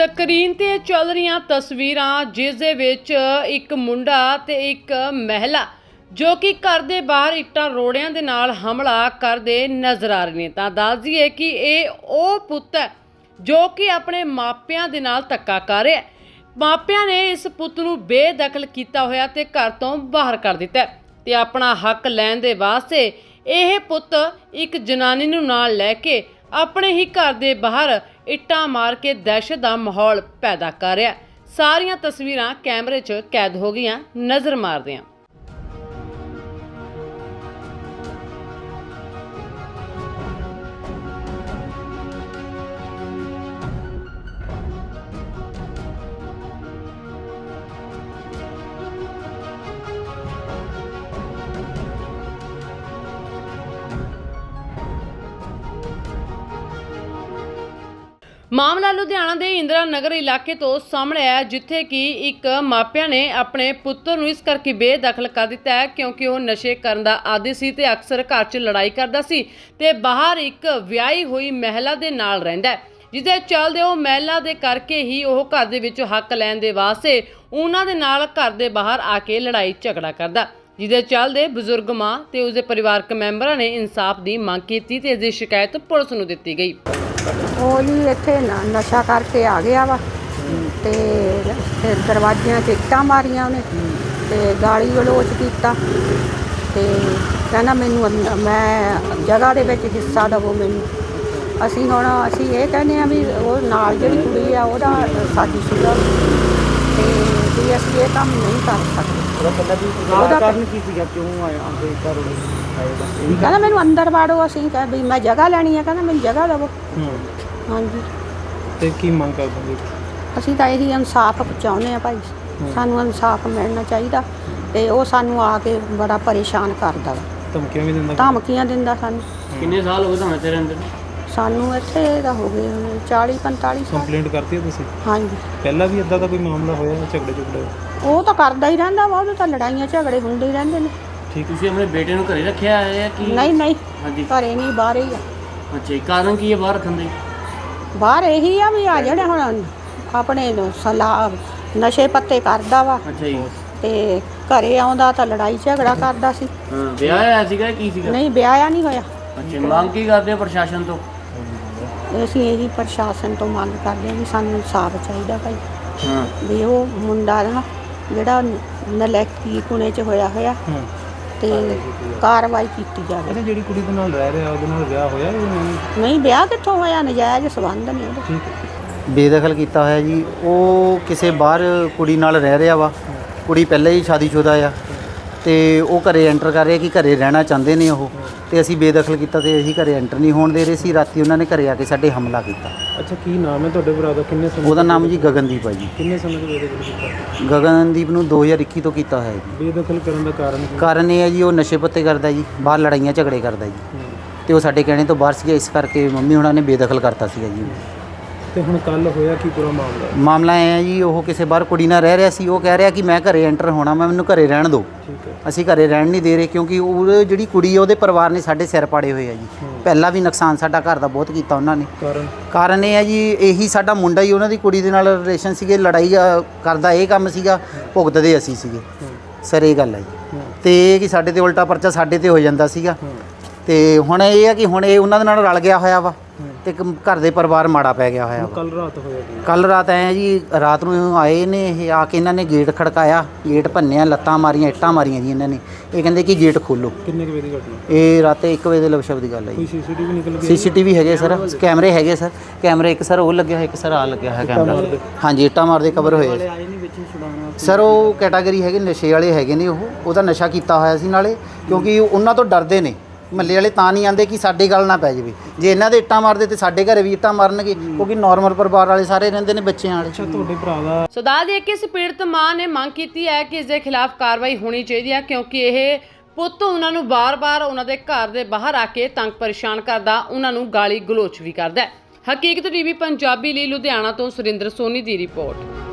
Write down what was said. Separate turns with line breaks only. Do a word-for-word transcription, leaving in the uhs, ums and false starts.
Screen ਤੇ ਚੱਲ ਰਹੀਆਂ ਤਸਵੀਰਾਂ ਜਿਸ ਦੇ ਵਿੱਚ ਇੱਕ ਮੁੰਡਾ ਤੇ ਇੱਕ ਮਹਿਲਾ ਜੋ ਕਿ ਘਰ ਦੇ ਬਾਹਰ ਇੱਟਾਂ ਰੋੜਿਆਂ ਦੇ ਨਾਲ ਹਮਲਾ ਕਰਦੇ ਨਜ਼ਰ ਆ ਰਹੇ ਨੇ। ਤਾਂ ਦੱਸ ਦਈਏ ਕਿ ਇਹ ਉਹ ਪੁੱਤ ਹੈ ਜੋ ਕਿ ਆਪਣੇ ਮਾਪਿਆਂ ਦੇ ਨਾਲ ਧੱਕਾ ਕਰ ਰਿਹਾ ਹੈ। ਮਾਪਿਆਂ ਨੇ ਇਸ ਪੁੱਤ ਨੂੰ ਬੇਦਖਲ ਕੀਤਾ ਹੋਇਆ ਤੇ ਘਰ ਤੋਂ ਬਾਹਰ ਕਰ ਦਿੱਤਾ ਤੇ ਆਪਣਾ ਹੱਕ ਲੈਣ ਦੇ ਵਾਸਤੇ ਇਹ ਪੁੱਤ ਇੱਕ ਜਨਾਨੀ ਨੂੰ ਨਾਲ ਲੈ ਕੇ ਆਪਣੇ ਹੀ ਘਰ ਦੇ ਬਾਹਰ ਇੱਟਾਂ ਮਾਰ ਕੇ ਦਹਿਸ਼ਤ ਦਾ ਮਾਹੌਲ ਪੈਦਾ ਕਰ ਰਿਹਾ। ਸਾਰੀਆਂ ਤਸਵੀਰਾਂ ਕੈਮਰੇ 'ਚ ਕੈਦ ਹੋ ਗਈਆਂ, ਨਜ਼ਰ ਮਾਰਦੇ ਹਾਂ। ਮਾਮਲਾ ਲੁਧਿਆਣਾ ਦੇ ਇੰਦਰਾ ਨਗਰ ਇਲਾਕੇ ਤੋਂ ਸਾਹਮਣੇ ਆਇਆ, ਜਿੱਥੇ ਕਿ ਇੱਕ ਮਾਪਿਆਂ ਨੇ ਆਪਣੇ ਪੁੱਤਰ ਨੂੰ ਇਸ ਕਰਕੇ ਬੇਦਖਲ ਕਰ ਦਿੱਤਾ ਹੈ ਕਿਉਂਕਿ ਉਹ ਨਸ਼ੇ ਕਰਨ ਦਾ ਆਦੀ ਸੀ ਤੇ ਅਕਸਰ ਘਰ 'ਚ ਲੜਾਈ ਕਰਦਾ ਸੀ ਤੇ ਬਾਹਰ ਇੱਕ ਵਿਆਹੀ ਹੋਈ ਮਹਿਲਾ ਦੇ ਨਾਲ ਰਹਿੰਦਾ ਹੈ, ਜਿਸਦੇ ਚੱਲਦੇ ਉਹ ਮਹਿਲਾ ਦੇ ਕਰਕੇ ਹੀ ਉਹ ਘਰ ਦੇ ਵਿੱਚ ਹੱਕ ਲੈਣ ਦੇ ਵਾਸਤੇ ਉਹਨਾਂ ਦੇ ਨਾਲ ਘਰ ਦੇ ਬਾਹਰ ਆ ਕੇ ਲੜਾਈ ਝਗੜਾ ਕਰਦਾ, ਜਿਹਦੇ ਚੱਲਦੇ ਬਜ਼ੁਰਗ ਮਾਂ ਤੇ ਉਸਦੇ ਪਰਿਵਾਰਕ ਮੈਂਬਰਾਂ ਨੇ ਇਨਸਾਫ ਦੀ ਮੰਗ ਕੀਤੀ ਤੇ ਇਸ ਦੀ ਸ਼ਿਕਾਇਤ ਪੁਲਿਸ ਨੂੰ ਦਿੱਤੀ ਗਈ।
ਉਹ ਜੀ ਇੱਥੇ ਨਸ਼ਾ ਕਰਕੇ ਆ ਗਿਆ ਵਾ ਤੇ ਫਿਰ ਦਰਵਾਜ਼ਿਆਂ 'ਚ ਇੱਟਾਂ ਮਾਰੀਆਂ ਉਹਨੇ ਤੇ ਗਾਲੀ ਗਲੋਚ ਕੀਤਾ ਤੇ ਕਹਿੰਦਾ ਮੈਨੂੰ ਅੰਦ- ਮੈਂ ਜਗ੍ਹਾ ਦੇ ਵਿੱਚ ਹਿੱਸਾ ਦੇਵੋ ਮੈਨੂੰ। ਅਸੀਂ ਹੁਣ ਅਸੀਂ ਇਹ ਕਹਿੰਦੇ ਆ ਵੀ ਉਹ ਨਾਲ ਜਿਹੜੀ ਕੁੜੀ ਆ ਉਹਦਾ ਸਾਡੀ ਸੀਗਾ ਤੇ ਵੀ ਅਸੀਂ ਇਹ ਕੰਮ ਨਹੀਂ ਕਰ ਸਕਦੇ। ਉਹਦਾ ਕਾਰਨ ਕੀ ਸੀਗਾ, ਕਿਉਂ ਆਇਆ ਆਂਦੇ ਘਰ ਆਏਗਾ? ਕਹਿੰਦਾ ਮੈਨੂੰ ਅੰਦਰ ਵਾੜੋ। ਅਸੀਂ ਕਹਾਂ ਵੀ ਮੈਂ ਜਗ੍ਹਾ ਲੈਣੀ ਆ, ਕਹਿੰਦਾ ਮੈਨੂੰ ਜਗ੍ਹਾ ਦੇਵੋ। ਹਾਂਜੀ,
ਤੇ ਕੀ ਮੰਗ ਕਰਦੇ?
ਅਸੀਂ ਤਾਂ ਇਹੀ ਇਨਸਾਫ ਚਾਹੁੰਦੇ ਆ ਭਾਈ, ਸਾਨੂੰ ਇਨਸਾਫ ਮਿਲਣਾ ਚਾਹੀਦਾ ਤੇ ਉਹ ਸਾਨੂੰ ਆ ਕੇ ਬੜਾ ਪਰੇਸ਼ਾਨ ਕਰਦਾ ਵਾ,
ਧਮਕੀਆਂ ਵੀ ਦਿੰਦਾ
ਧਮਕੀਆਂ ਦਿੰਦਾ ਸਾਨੂੰ।
ਕਿੰਨੇ ਸਾਲ ਹੋ ਗਏ ਤੁਹਾਨੂੰ ਇੱਥੇ ਰਹਿੰਦੇ?
ਸਾਨੂੰ ਇੱਥੇ ਦਾ ਹੋ ਗਏ ਹੁਣ ਚਾਲੀ ਪੰਤਾਲੀ ਸਾਲ।
ਕੰਪਲੇਂਟ ਕਰਤੀ ਹੈ ਤੁਸੀਂ?
ਹਾਂਜੀ,
ਪਹਿਲਾਂ ਵੀ ਇਦਾਂ ਦਾ ਕੋਈ ਮਾਮਲਾ ਹੋਇਆ ਝਗੜੇ ਝਗੜੇ?
ਉਹ ਤਾਂ ਕਰਦਾ ਹੀ ਰਹਿੰਦਾ ਵਾ, ਉਹਦੇ ਤਾਂ ਲੜਾਈਆਂ ਝਗੜੇ ਹੁੰਦੇ ਹੀ ਰਹਿੰਦੇ ਨੇ।
ਠੀਕ, ਤੁਸੀਂ ਆਪਣੇ ਬੇਟੇ ਨੂੰ ਘਰੇ ਰੱਖਿਆ ਹੈ ਕਿ
ਨਹੀਂ ਨਹੀਂ,
ਹਾਂਜੀ,
ਘਰੇ ਨਹੀਂ, ਬਾਹਰ ਹੀ ਆ।
ਅੱਛਾ, ਕਾਰਨ ਕੀ ਹੈ ਬਾਹਰ ਰੱਖਣ ਦੇ?
ਬਾਹਰ ਇਹੀ ਆ ਵੀ ਆ ਜਿਹੜੇ ਹੁਣ ਆਪਣੇ ਸਲਾਹ ਨਸ਼ੇ ਪੱਤੇ ਕਰਦਾ ਵਾ
ਅੱਛਾ ਜੀ,
ਤੇ ਘਰੇ ਆਉਂਦਾ ਤਾਂ ਲੜਾਈ ਝਗੜਾ ਕਰਦਾ ਸੀ।
ਹਾਂ, ਵਿਆਹ ਹੋਇਆ ਸੀਗਾ ਕੀ ਸੀਗਾ?
ਨਹੀਂ, ਵਿਆਹਿਆ ਨਹੀਂ ਹੋਇਆ।
ਅੱਛਾ, ਮੰਗ ਕੀ ਕਰਦੇ ਹੋ ਪ੍ਰਸ਼ਾਸਨ ਤੋਂ?
ਅਸੀਂ ਇਹੀ ਪ੍ਰਸ਼ਾਸਨ ਤੋਂ ਮੰਗ ਕਰਦੇ ਹਾਂ ਵੀ ਸਾਨੂੰ ਇਨਸਾਫ ਚਾਹੀਦਾ ਭਾਈ,
ਹਾਂ,
ਵੀ ਉਹ ਮੁੰਡਾ ਨਾ ਜਿਹੜਾ ਨਲੈਕੀ ਕੁਣੇ 'ਚ ਹੋਇਆ ਹੋਇਆ
ਹਾਂ,
ਤੇ ਕਾਰਵਾਈ ਕੀਤੀ ਜਾਵੇ।
ਇਹਨੇ ਜਿਹੜੀ ਕੁੜੀ ਦੇ ਨਾਲ ਰਹਿ ਰਿਹਾ ਉਹਦੇ ਨਾਲ ਵਿਆਹ ਹੋਇਆ ਜਾਂ ਨਹੀਂ?
ਨਹੀਂ, ਵਿਆਹ ਕਿੱਥੋਂ ਹੋਇਆ, ਨਜਾਇਜ਼ ਸੰਬੰਧ ਨੇ ਉਹਦੇ।
ਠੀਕ ਹੈ।
ਬੇਦਖਲ ਕੀਤਾ ਹੋਇਆ ਜੀ। ਉਹ ਕਿਸੇ ਬਾਹਰ ਕੁੜੀ ਨਾਲ ਰਹਿ ਰਿਹਾ ਵਾ, ਕੁੜੀ ਪਹਿਲਾਂ ਹੀ ਸ਼ਾਦੀशुदा ਆ ਤੇ ਉਹ ਘਰੇ ਐਂਟਰ ਕਰ ਰਿਹਾ ਕਿ ਘਰੇ ਰਹਿਣਾ ਚਾਹੁੰਦੇ ਨੇ ਉਹ, ਤੇ ਅਸੀਂ ਬੇਦਖਲ ਕੀਤਾ ਤੇ ਅਸੀਂ ਘਰੇ ਐਂਟਰ ਨਹੀਂ ਹੋਣ ਦੇ ਰਹੇ ਸੀ। ਰਾਤੀ ਉਹਨਾਂ ਨੇ ਘਰੇ ਆ ਕੇ ਸਾਡੇ ਹਮਲਾ ਕੀਤਾ।
ਅੱਛਾ, ਕੀ ਨਾਮ ਹੈ ਤੁਹਾਡੇ ਭਰਾ ਦਾ? ਕਿੰਨੇ ਸਮੇਂ?
ਉਹਦਾ ਨਾਮ ਜੀ ਗਗਨਦੀਪ ਹੈ ਜੀ।
ਕਿੰਨੇ ਸਮੇਂ ਤੋਂ ਬੇਦਖਲ ਕੀਤਾ?
ਗਗਨਦੀਪ ਨੂੰ ਦੋ ਹਜ਼ਾਰ ਇੱਕੀ ਤੋਂ ਕੀਤਾ ਹੋਇਆ ਜੀ।
ਬੇਦਖਲ ਕਰਨ ਦਾ ਕਾਰਨ ਕੀ?
ਕਾਰਨ ਇਹ ਹੈ ਜੀ ਉਹ ਨਸ਼ੇ ਪੱਤੇ ਕਰਦਾ ਜੀ, ਬਾਹਰ ਲੜਾਈਆਂ ਝਗੜੇ ਕਰਦਾ ਜੀ,
ਹੂੰ।
ਤੇ ਉਹ ਸਾਡੇ ਕਹਿਣੇ ਤੋਂ ਬਾਹਰ ਸੀਗਾ, ਇਸ ਕਰਕੇ ਮੰਮੀ ਉਹਨਾਂ ਨੇ ਬੇਦਖਲ ਕਰਤਾ ਸੀਗਾ ਜੀ।
ਤੇ ਹੁਣ ਕੱਲ ਹੋਇਆ ਕੀ ਪੂਰਾ ਮਾਮਲਾ?
ਮਾਮਲਾ ਇਹ ਹੈ ਜੀ, ਉਹ ਕਿਸੇ ਬਾਹਰ ਕੁੜੀ ਨਾਲ ਰਹਿ ਰਿਹਾ ਸੀ। ਉਹ ਕਹਿ ਰਿਹਾ ਕਿ ਮੈਂ ਘਰੇ ਐਂਟਰ ਹੋਣਾ, ਮੈਂ ਮੈਨੂੰ ਘਰੇ ਰਹਿਣ ਦਿਓ।
ਠੀਕ ਹੈ।
ਅਸੀਂ ਘਰੇ ਰਹਿਣ ਨਹੀਂ ਦੇ ਰਹੇ ਕਿਉਂਕਿ ਉਹ ਜਿਹੜੀ ਕੁੜੀ ਹੈ ਉਹਦੇ ਪਰਿਵਾਰ ਨੇ ਸਾਡੇ ਸਿਰ ਪਾੜੇ ਹੋਏ ਆ ਜੀ। ਪਹਿਲਾਂ ਵੀ ਨੁਕਸਾਨ ਸਾਡਾ ਘਰ ਦਾ ਬਹੁਤ ਕੀਤਾ ਉਹਨਾਂ ਨੇ।
ਕਾਰਨ?
ਕਾਰਨ ਇਹ ਹੈ ਜੀ, ਇਹੀ ਸਾਡਾ ਮੁੰਡਾ ਹੀ ਉਹਨਾਂ ਦੀ ਕੁੜੀ ਦੇ ਨਾਲ ਰਿਲੇਸ਼ਨ ਸੀਗੇ, ਲੜਾਈ ਅ, ਕਰਦਾ ਇਹ ਕੰਮ ਸੀਗਾ, ਭੁਗਤਦੇ ਅਸੀਂ ਸੀਗੇ ਸਰ, ਇਹ ਗੱਲ ਹੈ ਜੀ। ਤੇ ਇਹ ਕਿ ਸਾਡੇ ਤੇ ਉਲਟਾ ਪਰਚਾ ਸਾਡੇ ਤੇ ਹੋ ਜਾਂਦਾ ਸੀਗਾ। ਤੇ ਹੁਣ ਇਹ ਹੈ ਕਿ ਹੁਣ ਇਹ ਉਹਨਾਂ ਦੇ ਨਾਲ ਰਲ ਗਿਆ ਹੋਇਆ ਵਾ ਤੇ ਇੱਕ ਘਰ ਦੇ ਪਰਿਵਾਰ ਮਾੜਾ ਪੈ ਗਿਆ ਹੋਇਆ ਵਾ।
ਕੱਲ ਰਾਤ ਹੋਇਆ ਕੀ?
ਕੱਲ ਰਾਤ ਆਏ ਜੀ, ਰਾਤ ਨੂੰ ਆਏ ਨੇ ਇਹ, ਆ ਕੇ ਇਹਨਾਂ ਨੇ ਗੇਟ ਖੜਕਾਇਆ, ਗੇਟ ਭੰਨਿਆ, ਲੱਤਾਂ ਮਾਰੀਆਂ, ਇੱਟਾਂ ਮਾਰੀਆਂ ਜੀ ਇਹਨਾਂ ਨੇ। ਇਹ ਕਹਿੰਦੇ ਕਿ ਗੇਟ ਖੋਲੋ।
ਕਿੰਨੇ ਕੁ ਵਜੇ ਦੀ ਘਟਨਾ?
ਇਹ ਰਾਤੇ ਇੱਕ ਵਜੇ ਦੇ ਲਵਸ਼ਬ ਦੀ ਗੱਲ ਹੈ
ਕੋਈ
ਜੀ।
ਸੀਸੀਟੀਵੀ ਨਿਕਲ ਗਿਆ?
ਸੀਸੀਟੀਵੀ ਹੈਗੇ ਸਰ, ਕੈਮਰੇ ਹੈਗੇ ਸਰ, ਕੈਮਰੇ ਇੱਕ ਸਰ ਉਹ ਲੱਗਿਆ ਹੋਇਆ, ਇੱਕ ਸਰ ਆ ਲੱਗਿਆ ਹੋਇਆ ਕੈਮਰਾ। ਹਾਂਜੀ, ਇੱਟਾਂ ਮਾਰਦੇ ਕਵਰ ਹੋਏ
ਆਏ ਨਹੀਂ ਵਿੱਚ ਛੁਡਾਉਣਾ
ਸਰ। ਉਹ ਕੈਟਾਗਰੀ ਹੈਗੇ ਨਸ਼ੇ ਵਾਲੇ ਹੈਗੇ ਨੇ, ਉਹ ਉਹਦਾ ਨਸ਼ਾ ਕੀਤਾ ਹੋਇਆ ਸੀ ਨਾਲੇ, ਕਿਉਂਕਿ ਉਹਨਾਂ ਤੋਂ ਡਰਦੇ ਨੇ ਮੱਲੇ ਵਾਲੇ, ਤਾਂ ਨਹੀਂ ਆਂਦੇ ਕਿ ਸਾਡੇ ਗੱਲ ਨਾ ਪੈ ਜਾਵੇ। ਜੇ ਇਹਨਾਂ ਦੇ ਇੱਟਾਂ ਮਾਰਦੇ ਤੇ ਸਾਡੇ ਘਰੇ ਵੀ ਇੱਟਾਂ ਮਾਰਨਗੇ, ਕਿਉਂਕਿ ਨਾਰਮਲ ਪਰਿਵਾਰ ਵਾਲੇ ਸਾਰੇ ਰਹਿੰਦੇ ਨੇ ਬੱਚਿਆਂ ਵਾਲੇ।
ਅੱਛਾ, ਤੁਹਾਡੇ ਭਰਾ ਦਾ?
ਸੋ ਦੱਸ ਦਈਏ ਕਿ ਇਸ ਪੀੜਤ ਮਾਂ ਨੇ ਮੰਗ ਕੀਤੀ ਹੈ ਕਿ ਇਸ ਦੇ ਖਿਲਾਫ ਕਾਰਵਾਈ ਹੋਣੀ ਚਾਹੀਦੀ ਹੈ ਕਿਉਂਕਿ ਇਹ ਪੁੱਤ ਉਹਨਾਂ ਨੂੰ ਬਾਰ-ਬਾਰ ਉਹਨਾਂ ਦੇ ਘਰ ਦੇ ਬਾਹਰ ਆ ਕੇ ਤੰਗ ਪਰੇਸ਼ਾਨ ਕਰਦਾ, ਉਹਨਾਂ ਨੂੰ ਗਾਲੀ ਗਲੋਚ ਵੀ ਕਰਦਾ ਹੈ। ਹਕੀਕਤ ਟੀਵੀ ਪੰਜਾਬੀ ਲਈ ਲੁਧਿਆਣਾ ਤੋਂ ਸੁਰਿੰਦਰ ਸੋਨੀ ਦੀ ਰਿਪੋਰਟ।